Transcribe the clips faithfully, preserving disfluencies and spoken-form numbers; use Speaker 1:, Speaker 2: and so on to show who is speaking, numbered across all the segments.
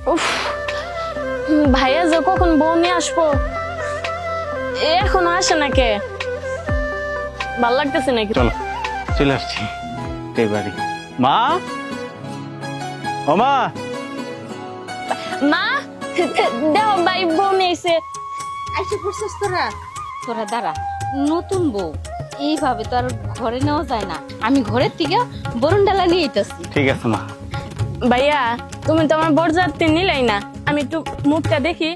Speaker 1: উফ, ভাইয়া যে কখন বউ নিয়ে আসবো এখনো আসে না কে? ভাল লাগতেছে নাকি?
Speaker 2: চলো চলে আসছি এই বাড়ি। মা, ও মা,
Speaker 1: মা দেও ভাই বউ নিয়ে এসে।
Speaker 3: আইসে পড়ছিস তোরা তোরা দাঁড়া, নতুন বউ এইভাবে তো আর ঘরে নেওয়া যায় না। আমি ঘরের থেকে বরুণ ডালা নিয়ে আইতাছি।
Speaker 2: ঠিক আছে মা।
Speaker 1: ভাইয়া তুমি তো আমার বরযাত্রী নিলাই না, আমি একটু মুখটা দেখি।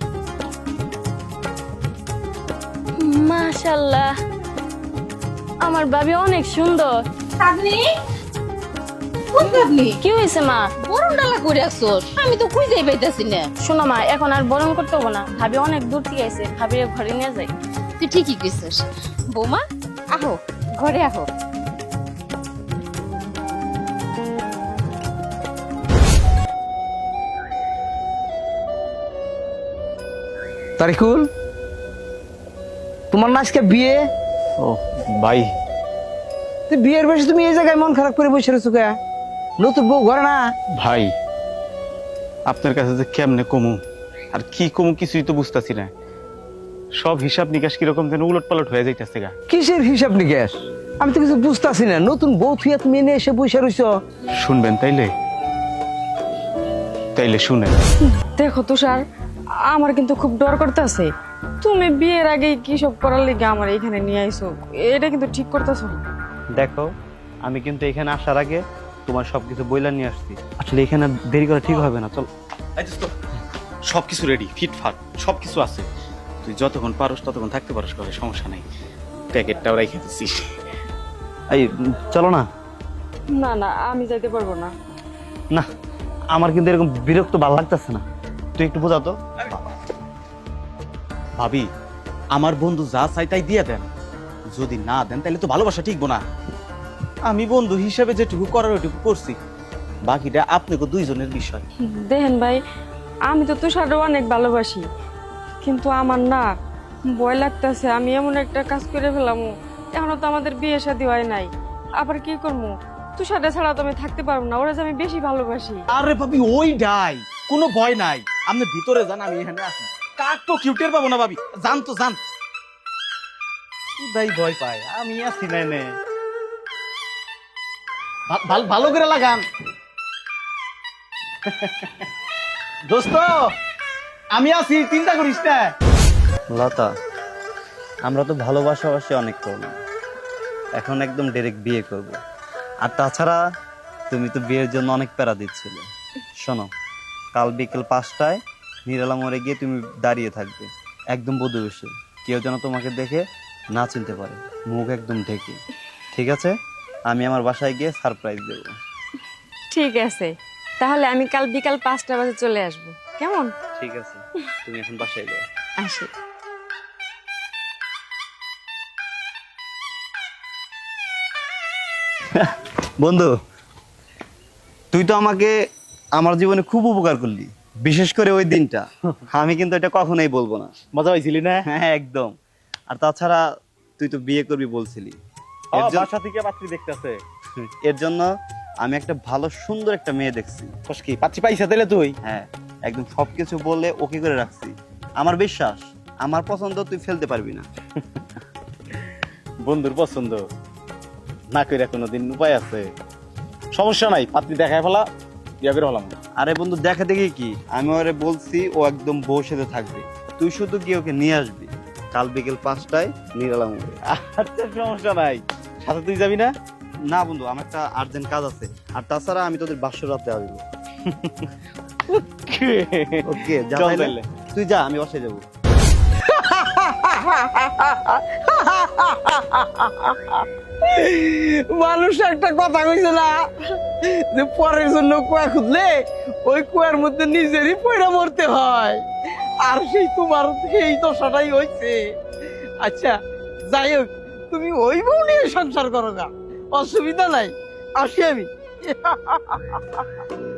Speaker 1: মাশাআল্লাহ, আমার ভাবি অনেক সুন্দর।
Speaker 3: আপনি কোন আপনি
Speaker 1: কি হয়েছে মা?
Speaker 3: বরুণ ডালা করে আসছস? আমি তো খুঁজেই পাইতাছি না।
Speaker 1: শোনো মা, এখন আর বরণ করতে হবো না, ভাবি অনেক দূর থেকে আইছে, ভাবি ঘরে নিয়ে যাই।
Speaker 3: তুই ঠিকই কইছিস। বৌমা আহো, ঘরে আহো।
Speaker 4: তারিকুল, তোমার না আজকে বিয়ে?
Speaker 2: ও ভাই,
Speaker 4: তুই বিয়ের বেশি তুমি এই জায়গায় মন খারাপ করে বসে রয়েছো কে? নতুন বউ ঘরে না?
Speaker 2: ভাই আপনার কাছে যে কেমনে কমু আর কি কমু কিছুই তো বুঝতেছি না। সব হিসাব নিকাশ কিরকম যেন উলট পালট হয়ে যাইতেছে গা।
Speaker 4: কিসের হিসাব নিকাশ? আমি তো কিছু বুঝতেছি না। নতুন বউ থুয়া তুমি এনে এসে বসে রয়েছো।
Speaker 2: শুনবেন তাইলে? তাইলে শুনেন।
Speaker 5: দেখো তুষার, আমার কিন্তু খুব ডর করতেছে। তুমি বিয়ের আগে কি সব করার লিগে আমার এখানে নিয়ে আইছো, এটা কিন্তু ঠিক করতেছো না।
Speaker 6: দেখো, আমি কিন্তু এখানে আসার আগে তোমার সবকিছু বইলা নিয়ে আসছি। আসলে এখানে দেরি করা ঠিক হবে না। চল,
Speaker 2: সবকিছু রেডি, ফিটফাট সবকিছু আছে। তুই যতক্ষণ পারস ততক্ষণ থাকতে পারস, করে সমস্যা নাই। প্যাকেটটাও রেখে দিচ্ছিস।
Speaker 6: এই চলো না।
Speaker 5: না না, আমি যাইতে পারবো না।
Speaker 6: না, আমার কিন্তু এরকম বিরক্ত ভালো লাগতেছে না। তুই একটু বোঝা তো।
Speaker 2: ভাবি, আমার বন্ধু যা চাই তাই দিয়ে দেন। যদি না দেন তাহলে তো ভালোবাসা ঠিকবো না। আমি বন্ধু হিসেবে যেটুকু করার ওইটুকু করছি, বাকিটা আপনাকে দুইজনের বিষয়।
Speaker 5: দেখেন ভাই, আমি তো তুষারও অনেক ভালোবাসি, কিন্তু আমার না ভয় লাগতেছে। আমি এমন একটা কাজ করে ফেলাম, এখনো তো আমাদের বিয়ে শাদী হয় নাই। আবার কি করবো? তুষারটা ছাড়া তো আমি থাকতে পারবো না, ওরা যে আমি বেশি ভালোবাসি।
Speaker 2: আরে ভাবি, ওই ডাই, কোনো ভয় নাই। আপনি ভিতরে যান, আমি এখানে আছি। কাক তো কিউটের পাবো না ভাবি, জান তো জান।
Speaker 6: তাই ভয় পায়, আমি আছি না নে।
Speaker 2: ভা- ভাল- ভালো করে লাগান। দোস্ত, আমি আছি, চিন্তা করিস না।
Speaker 6: লতা, আমরা তো ভালোবাসাবাসি অনেক করলাম, এখন একদম ডাইরেক্ট বিয়ে করব। আর তাছাড়া তুমি তো বিয়ের জন্য অনেক প্যারা দিচ্ছিলে। শোনো, কাল বিকেল পাঁচটায় নিরালা মোড়ে গিয়ে তুমি দাঁড়িয়ে থাকবে, একদম বধূ বেশে। কেউ যেন তোমাকে দেখে না চিনতে পারে, মুখ একদম ঢেকে। ঠিক আছে? আমি আমার বাসায় গিয়ে সারপ্রাইজ দেবো।
Speaker 5: ঠিক আছে, তাহলে আমি কাল বিকাল পাঁচটা বাজে চলে আসবো, কেমন?
Speaker 6: ঠিক আছে, তুমি এখন বাসায় যাও।
Speaker 5: আসি।
Speaker 6: বন্ধু, তুই তো আমাকে আমার জীবনে খুব উপকার করলি, বিশেষ করে ওই দিনটা। আমি কিন্তু এটা কখনোই বলবো না।
Speaker 2: মজা হয়েছিলি না?
Speaker 6: হ্যাঁ, একদম। আর তাছাড়া তুই তো বিয়ে করবি বলছিলি, এর জন্য-
Speaker 2: বাসা থেকে পাত্রী দেখতেছে।
Speaker 6: এর জন্য আমি একটা ভালো সুন্দর একটা মেয়ে দেখছি।
Speaker 2: কি পাত্রী পাইছা দিলে তুই?
Speaker 6: হ্যাঁ, একদম সবকিছু বলে ওকে করে রাখছি। আমার বিশ্বাস, আমার পছন্দ তুই ফেলতে পারবি না।
Speaker 2: বন্ধুর পছন্দ না করে কোনোদিন উপায় আছে? সমস্যা নাই, পাত্রী দেখায় ফেলা, বিয়া করে ফেলাম।
Speaker 6: আরে বন্ধু, দেখা দেখি কি, আমি ওরে বলছি ও একদম বউ সাথে থাকবে, তুই শুধু গিয়ে ওকে নিয়ে আসবি কাল বিকেল পাঁচটায় নিরালা মোড়ে।
Speaker 2: আচ্ছা, সমস্যা নাই। সাথে তুই যাবি না?
Speaker 6: না বন্ধু, আমার একটা আর্জেন্ট কাজ আছে। আর তাছাড়া আমি তোদের বাসর রাতে আসবো। ওকে, যা
Speaker 2: চল
Speaker 6: তাইলে।
Speaker 2: তাইলে।
Speaker 6: তুই যা, আমি বাসায় যাবো।
Speaker 4: মানুষ একটা কথা কইছে না যে পরের জন্য কুয়া খুঁজলে ওই কুয়ার মধ্যে নিজেরই পয়রা মরতে হয়। আর সেই তোমার সেই দশাটাই হয়েছে। আচ্ছা যাই হোক, তুমি ওই বউ নিয়ে সংসার করো না, অসুবিধা নাই। আসি আমি।